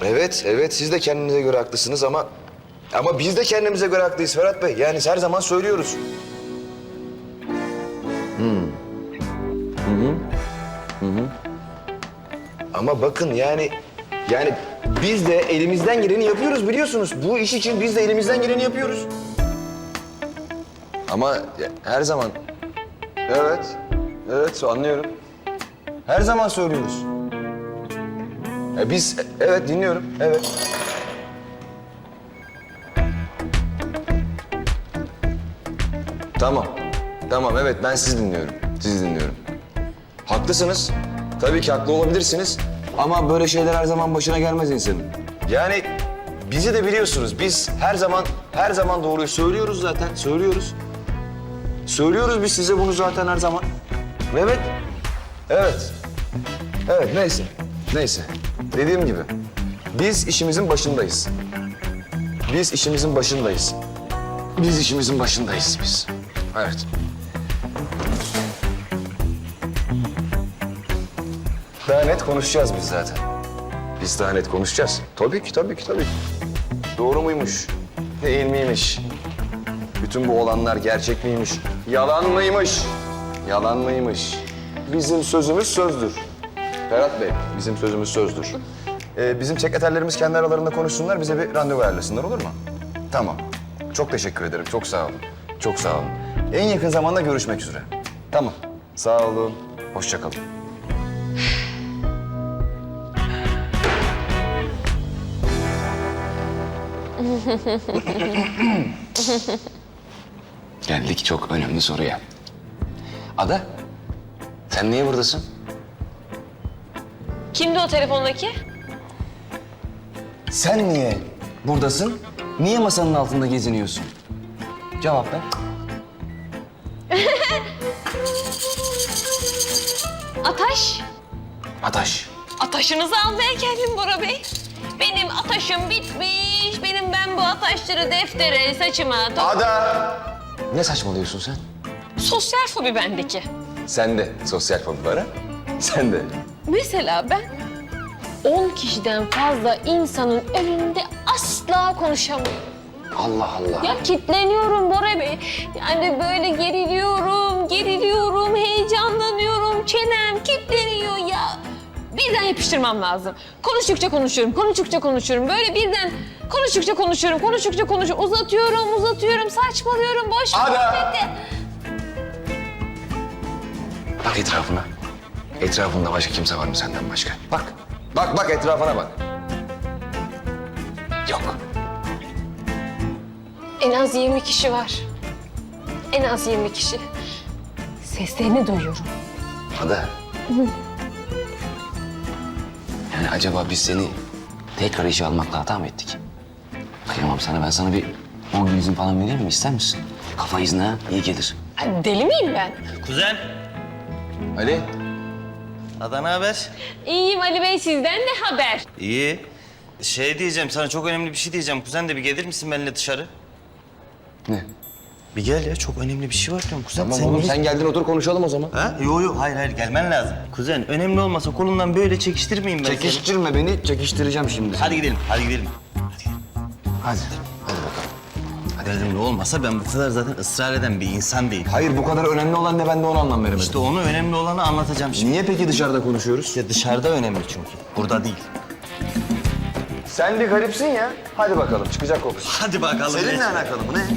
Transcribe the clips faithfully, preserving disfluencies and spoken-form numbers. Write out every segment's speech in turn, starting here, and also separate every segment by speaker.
Speaker 1: Evet, evet siz de kendinize göre haklısınız ama... Ama biz de kendimize göre haklıyız Ferhat Bey. Yani her zaman söylüyoruz. Hmm. Hı hı. Hı hı. Ama bakın yani... Yani biz de elimizden geleni yapıyoruz biliyorsunuz. Bu iş için biz de elimizden geleni yapıyoruz. Ama her zaman... Evet, evet anlıyorum. Her zaman söylüyoruz. E biz, evet dinliyorum, evet. Tamam, tamam evet ben sizi dinliyorum, sizi dinliyorum. Haklısınız, tabii ki haklı olabilirsiniz. Ama böyle şeyler her zaman başına gelmez insanın. Yani bizi de biliyorsunuz, biz her zaman, her zaman doğruyu söylüyoruz zaten, söylüyoruz. Söylüyoruz biz size bunu zaten her zaman. Evet, evet. Evet neyse, neyse. Dediğim gibi biz işimizin başındayız. Biz işimizin başındayız. Biz işimizin başındayız biz. Evet. Daha net konuşacağız biz zaten. Biz daha net konuşacağız. Tabii ki, tabii ki, tabii ki. Doğru muymuş? Değil miymiş? Bütün bu olanlar gerçek miymiş? Yalan mıymış? Yalan mıymış? Bizim sözümüz sözdür. Ferhat Bey, bizim sözümüz sözdür. Ee, bizim sekreterlerimiz kendi aralarında konuşsunlar, bize bir randevu ayarlasınlar olur mu? Tamam. Çok teşekkür ederim, çok sağ olun. Çok sağ olun. En yakın zamanda görüşmek üzere. Tamam. Sağ olun. Hoşça kalın. Geldik çok önemli soruya. Ada, sen niye buradasın?
Speaker 2: Kimdi o telefondaki?
Speaker 1: Sen niye buradasın? Niye masanın altında geziniyorsun? Cevap ver.
Speaker 2: Ataş.
Speaker 1: Ataş.
Speaker 2: Ataşınızı almaya geldim Bora Bey. Benim ataşım bitmiş. Benim ben bu ataşları deftere, saçıma... to-
Speaker 1: Ada! Ne saçmalıyorsun sen?
Speaker 2: Sosyal fobi bendeki.
Speaker 1: Sen de sosyal fobi var ha? Sen de.
Speaker 2: Mesela ben on kişiden fazla insanın önünde asla konuşamıyorum.
Speaker 1: Allah Allah.
Speaker 2: Ya kitleniyorum Bora Bey. Yani böyle geriliyorum, geriliyorum, heyecanlanıyorum. Çenem kitleniyor ya. Birden yapıştırmam lazım. Konuştukça konuşuyorum, konuştukça konuşuyorum. Böyle birden konuştukça konuşuyorum, konuştukça konuşuyorum. Uzatıyorum, uzatıyorum, saçmalıyorum, boş
Speaker 1: Ada!
Speaker 2: muhabbeti.
Speaker 1: Bak etrafına. Etrafında başka kimse var mı senden başka? Bak. Bak bak etrafına bak. Yok.
Speaker 2: En az yirmi kişi var. En az yirmi kişi. Seslerini duyuyorum.
Speaker 1: Ada. Yani acaba biz seni tekrar işe almakla hata mı ettik? Kıyamam sana. Ben sana bir on gün izin falan vereyim mi? İster misin? Kafa izni ha. İyi gelir.
Speaker 2: Ay, deli miyim ben?
Speaker 3: Kuzen,
Speaker 1: Ali.
Speaker 3: Ada ne haber?
Speaker 2: İyiyim Ali Bey, sizden ne haber?
Speaker 3: İyi. Şey diyeceğim, sana çok önemli bir şey diyeceğim. Kuzen de bir gelir misin benimle dışarı?
Speaker 1: Ne?
Speaker 3: Bir gel ya, çok önemli bir şey var diyorum. Kuzen
Speaker 1: Tamam oğlum
Speaker 3: niye-
Speaker 1: sen geldin otur konuşalım o zaman.
Speaker 3: Ha? Yo yo, hayır hayır gelmen lazım. Kuzen, önemli olmasa kolundan böyle çekiştirmeyeyim ben seni.
Speaker 1: Çekiştirme beni, çekiştireceğim şimdi.
Speaker 3: Hadi gidelim, hadi gidelim.
Speaker 1: Hadi. Hadi bakalım.
Speaker 3: Önemli olmasa ben bu kadar zaten ısrar eden bir insan değilim.
Speaker 1: Hayır bu kadar önemli olan ne ben de ona anlam veremedim.
Speaker 3: İşte onu önemli olanı anlatacağım şimdi.
Speaker 1: Niye peki dışarıda konuşuyoruz?
Speaker 3: İşte dışarıda önemli çünkü, burada değil.
Speaker 1: Sen bir garipsin ya. Hadi bakalım çıkacak kokusu.
Speaker 3: Hadi bakalım.
Speaker 1: Seninle
Speaker 3: ne-
Speaker 1: alakalı bu ne?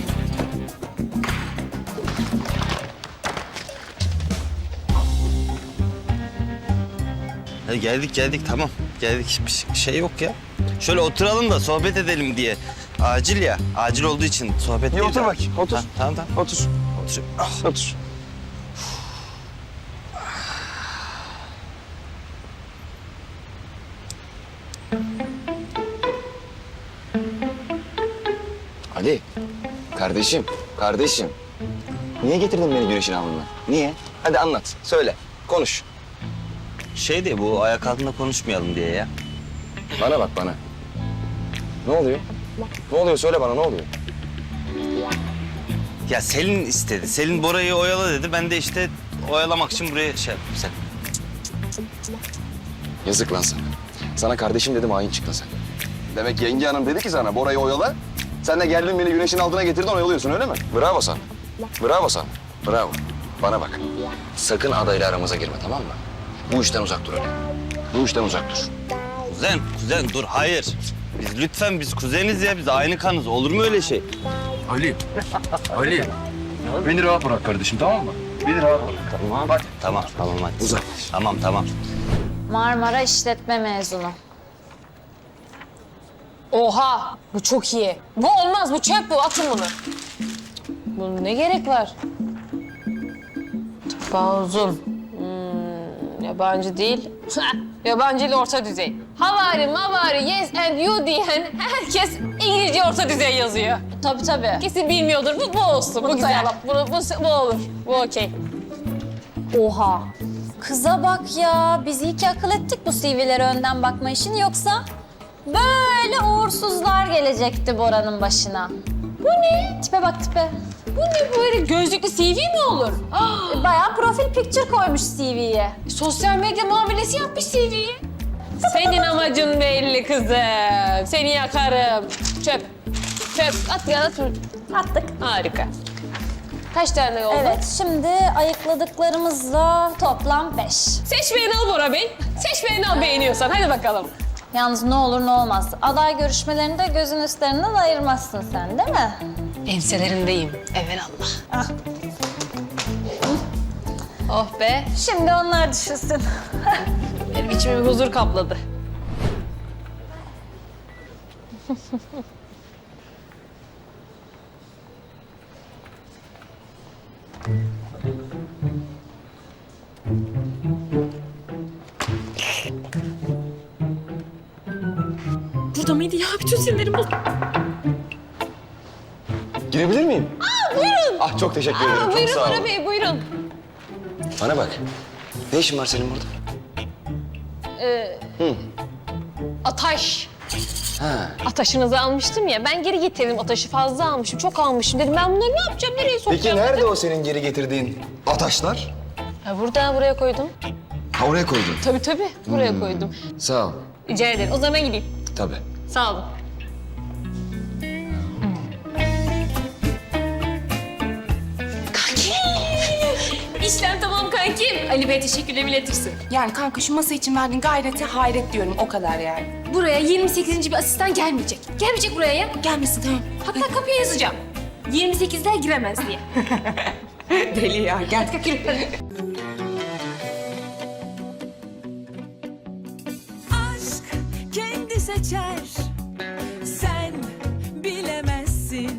Speaker 3: Ya geldik geldik tamam. Geldik bir şey yok ya. Şöyle oturalım da sohbet edelim diye. Acil ya. Acil olduğu için sohbet
Speaker 1: İyi
Speaker 3: değil
Speaker 1: otur
Speaker 3: de-
Speaker 1: bakayım, otur.
Speaker 3: Ha, tamam tamam.
Speaker 1: Otur.
Speaker 3: Otur. Ah.
Speaker 1: Otur. Ali, kardeşim, kardeşim. Niye getirdin beni güneşin avluna? Niye? Hadi anlat, söyle, konuş.
Speaker 3: Şey diye bu ayak altında konuşmayalım diye ya.
Speaker 1: Bana bak bana. Ne oluyor? Ne oluyor? Söyle bana ne oluyor?
Speaker 3: Ya Selin istedi. Selin Bora'yı oyala dedi. Ben de işte oyalamak için buraya şey yaptım. Sen.
Speaker 1: Yazık lan sana. Sana kardeşim dedim, hain çıktın sen. Demek yenge hanım dedi ki sana Bora'yı oyala. Sen de geldin beni güneşin altına getirdin, oyalıyorsun öyle mi? Bravo sana. Bravo sana. Bravo. Bana bak. Sakın adayla aramıza girme, tamam mı? Bu işten uzak dur öyle. Bu işten uzak dur.
Speaker 3: Kuzen, kuzen dur hayır. Biz lütfen biz kuzeniz ya, biz aynı kanız. Olur mu öyle şey?
Speaker 1: Ali. Ali. Beni rahat bırak kardeşim, tamam mı? Beni rahat bırak.
Speaker 3: Tamam. Hadi. Tamam, tamam hadi.
Speaker 1: Uzak.
Speaker 3: Tamam, tamam.
Speaker 4: Marmara işletme mezunu.
Speaker 2: Oha! Bu çok iyi. Bu olmaz, bu çöp bu. Atın bunu. Bunun ne gerek var? Tıpa uzun. Hmm, yabancı değil. Yabancı ile orta düzey. Havari, mavari, yes and you diyen herkes İngilizce orta düzey yazıyor.
Speaker 4: Tabii tabii.
Speaker 2: Kesin bilmiyordur. Bu, bu olsun. Bu,
Speaker 4: Bunu
Speaker 2: güzel.
Speaker 4: sayalım.
Speaker 2: Bu, bu, bu olur. Bu okey.
Speaker 4: Oha. Kıza bak ya. Biz iyi ki akıl ettik bu C V'lere önden bakma işini, yoksa böyle uğursuzlar gelecekti Bora'nın başına.
Speaker 2: Bu ne?
Speaker 4: Tipe bak tipe.
Speaker 2: Bu ne böyle gözlüklü C V mi olur? Ah,
Speaker 4: Bayağı profil picture koymuş C V'ye.
Speaker 2: sosyal medya muamelesi yapmış C V'yi. Senin amacın belli kızım. Seni yakarım. Çöp. Çöp. At ya at.
Speaker 4: Attık.
Speaker 2: Harika. Kaç tane oldu?
Speaker 4: Evet, şimdi ayıkladıklarımızla toplam beş.
Speaker 2: Seç beğeni al Bora Bey. Seç beğeni al beğeniyorsan. Hadi bakalım.
Speaker 4: Yalnız ne olur ne olmaz. Aday görüşmelerinde gözün üstlerinden ayırmazsın sen, değil mi?
Speaker 2: Enselerindeyim. Evelallah.
Speaker 4: Ah.
Speaker 2: Oh be.
Speaker 4: Şimdi onlar düşünsün.
Speaker 2: Benim içimi bir huzur kapladı. Burada mıydı ya? Bütün sinirlerim bozuldu.
Speaker 1: Girebilir miyim?
Speaker 2: Aa, buyurun.
Speaker 1: Ah çok teşekkür ederim.
Speaker 2: Aa,
Speaker 1: Çok
Speaker 2: buyurun
Speaker 1: sağ olun.
Speaker 2: Bora Bey, buyurun.
Speaker 1: Bana bak. Ne işin var senin burada?
Speaker 2: Ataş.
Speaker 1: Ha.
Speaker 2: Ataşınızı almıştım ya. Ben geri getirdim ataşı. Fazla almışım. Çok almışım. Dedim ben bunları ne yapacağım? Nereye
Speaker 1: Peki
Speaker 2: sokacağım?
Speaker 1: nerede
Speaker 2: dedim.
Speaker 1: o senin geri getirdiğin ataşlar?
Speaker 2: Ha, burada buraya koydum.
Speaker 1: Ha oraya koydun.
Speaker 2: Tabii tabii. Buraya koydum.
Speaker 1: Sağ ol.
Speaker 2: Rica ederim. O zaman ben gideyim.
Speaker 1: Tabii.
Speaker 2: Sağ olun. Kanki! İşlem tamam kankim. Ali Bey teşekkürlerimi iletirsin.
Speaker 5: Yani kanka şu masa için verdiğin gayrete hayret diyorum, o kadar yani.
Speaker 2: Buraya yirmi sekizinci bir asistan gelmeyecek. Gelmeyecek buraya ya.
Speaker 5: Gelmesin tamam.
Speaker 2: Hatta kapıya yazacağım. yirmi sekizler giremez diye.
Speaker 5: Deli ya, gel.
Speaker 6: aşk kendi seçer